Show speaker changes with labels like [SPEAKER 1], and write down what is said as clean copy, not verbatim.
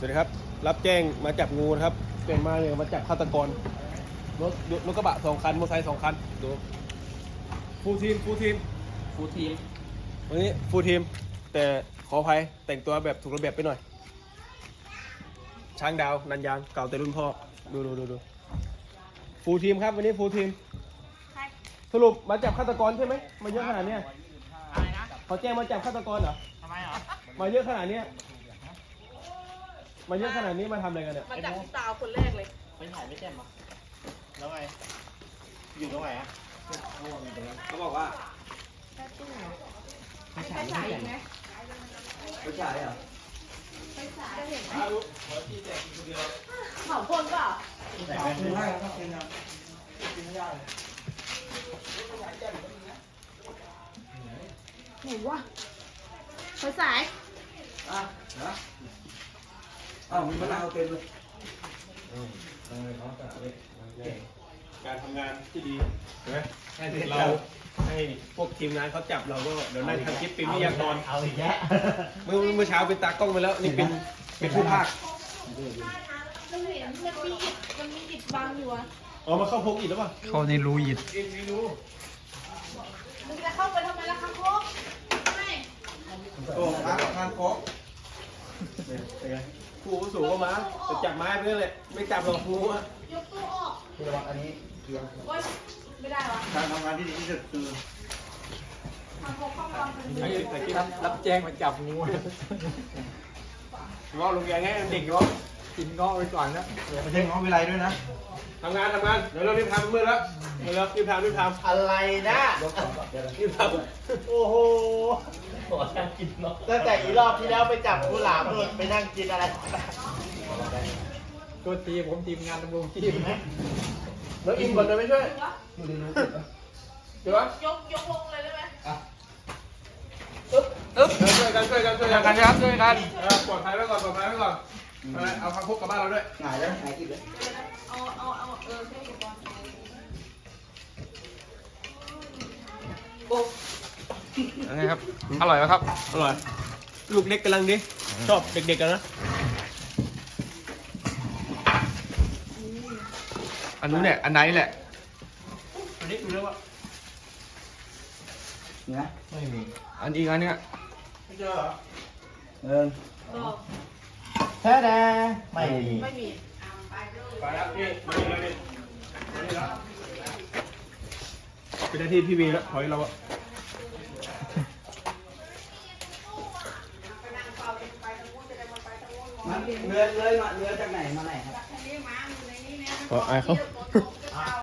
[SPEAKER 1] สวัสดีครับรับแจ้งมาจับงูนะครับแจ้งมาเลยมาจับฆาตกรรถกระบะ2 คันมอเตอร์ไซค์2 คันดูฟูลทีมวันนี้ฟูลทีมแต่ขออภัยแต่งตัวแบบถูกระเบียบไปหน่อยช้างดาวนันยางเก่าแต่รุ่นพ่อดูฟูลทีมครับวันนี้ฟูลทีมสรุปมาจับฆาตกรใช่ไหมมาเยอะขนาดเนี้ย
[SPEAKER 2] อะไรนะ
[SPEAKER 1] เขาแจ้งมาจับฆาตกรเหรอ
[SPEAKER 2] ทำไมเหรอ
[SPEAKER 1] มาเยอะขนาดเนี้ยมาเยอะขนาดนี้มาทำอะไรกันเนี่ย
[SPEAKER 3] มาจากสาวคนแรกเลย
[SPEAKER 2] ไปถ่ายไม่แจ่มเหรอแล้วไง อยู่ตรงไหนอ่ะ
[SPEAKER 1] เขาบอกว่า
[SPEAKER 3] ไม่ใช่ใส่ไหม
[SPEAKER 1] ไม่ใช่เหรอ
[SPEAKER 3] ไม่ใส่เห็นไหมเผาคนเปล่า
[SPEAKER 2] แต่ไม่ได้ครับกินนะกินไม่ได้
[SPEAKER 3] หนูวะไฟสาย
[SPEAKER 1] มีมะนาวเต็มเลยการทำงานที่ดีใช่ไหมเราให้พวกทีมงานเขาจับเราก็เดี๋ยวนั่งทำคลิปเป็นวิทยากร
[SPEAKER 2] เอาอีกแล้ว
[SPEAKER 1] เมื่อเช้าเป็นตากล้องไปแล้วนี่เป็นผู้ภาค
[SPEAKER 3] มันเห็นมันมีอิฐบังอยู่อะ
[SPEAKER 1] อ๋อมาเข้าพกอีกแล้วป่ะ
[SPEAKER 4] เขาในรูหยิด
[SPEAKER 1] ไม่รู้
[SPEAKER 3] มึงจะเข้าไปทำไมล่ะคะโค้กไม่
[SPEAKER 1] โอ้มาทางพกครูสูงก็มาจะจับไม้ไปเรื่อยไม่จับหรอกครูอะ
[SPEAKER 3] ยกตู้ออก
[SPEAKER 2] คือระวังอันนี้เกี่ยว
[SPEAKER 3] โอ๊ยไม่ได้วะ
[SPEAKER 2] การทำงานที่ดีที่สุดคือ
[SPEAKER 3] ทำโค้กข้างล่างเป็น
[SPEAKER 1] ไอ้ตะกี้
[SPEAKER 4] รับแจ้งมาจับงู
[SPEAKER 1] ง้อลงแกงให้เด็กง้อ
[SPEAKER 4] กินเงาะไปก่อนนะ
[SPEAKER 2] ไม่ใช่ง้อวิไลด้วยนะ
[SPEAKER 1] ทำงานเดี๋ยวเรารีบทำมือแล้วเดี๋ยวรีบทำ
[SPEAKER 2] อะไรนะ
[SPEAKER 1] รีบทำ
[SPEAKER 2] โอ้โหตั้งแต่อีรอบที่แล้วไปจับกุหลาบนู่นไปนั่งกินอะไร
[SPEAKER 4] ตัวทีผมทีมงานดำรงชีพนะ
[SPEAKER 1] แล้วอินก่อนจะไม่ช่วยเดี๋ยว
[SPEAKER 3] ยกวงเลยได้ไหม
[SPEAKER 1] ช่วยกัน
[SPEAKER 4] ช่วยกันครับช่วยกัน
[SPEAKER 1] ปลอดภัยไว้ก่อนเอาพักพกกลับบ้านเราด้วย
[SPEAKER 2] หงายแล้วหงายอีกเลย
[SPEAKER 3] เอาใช้อุปกรณ์
[SPEAKER 4] ยังไงครับ อร่อยไหมครับ
[SPEAKER 1] อร่อยลูกเล็กกำลังดีชอบเด็กๆกันนะ
[SPEAKER 4] อันนู้นเนี่ย อันไหนแหละ
[SPEAKER 1] อันนี้ดูแล้วว่า
[SPEAKER 2] นี่นะ
[SPEAKER 4] ไม่มี อันอีกอันเนี้ย
[SPEAKER 1] ไม่เจอเหรอ
[SPEAKER 3] บอก
[SPEAKER 2] แท้แน่ไม่มี
[SPEAKER 3] ไม่มี
[SPEAKER 1] ไปแล้วนี่มานี่เลยนี่แล้วเป็นหน้าที่พี่วีแล้วถอยเราอะ
[SPEAKER 2] เรือจากไหนมาไหนครับ
[SPEAKER 1] ขออายเขา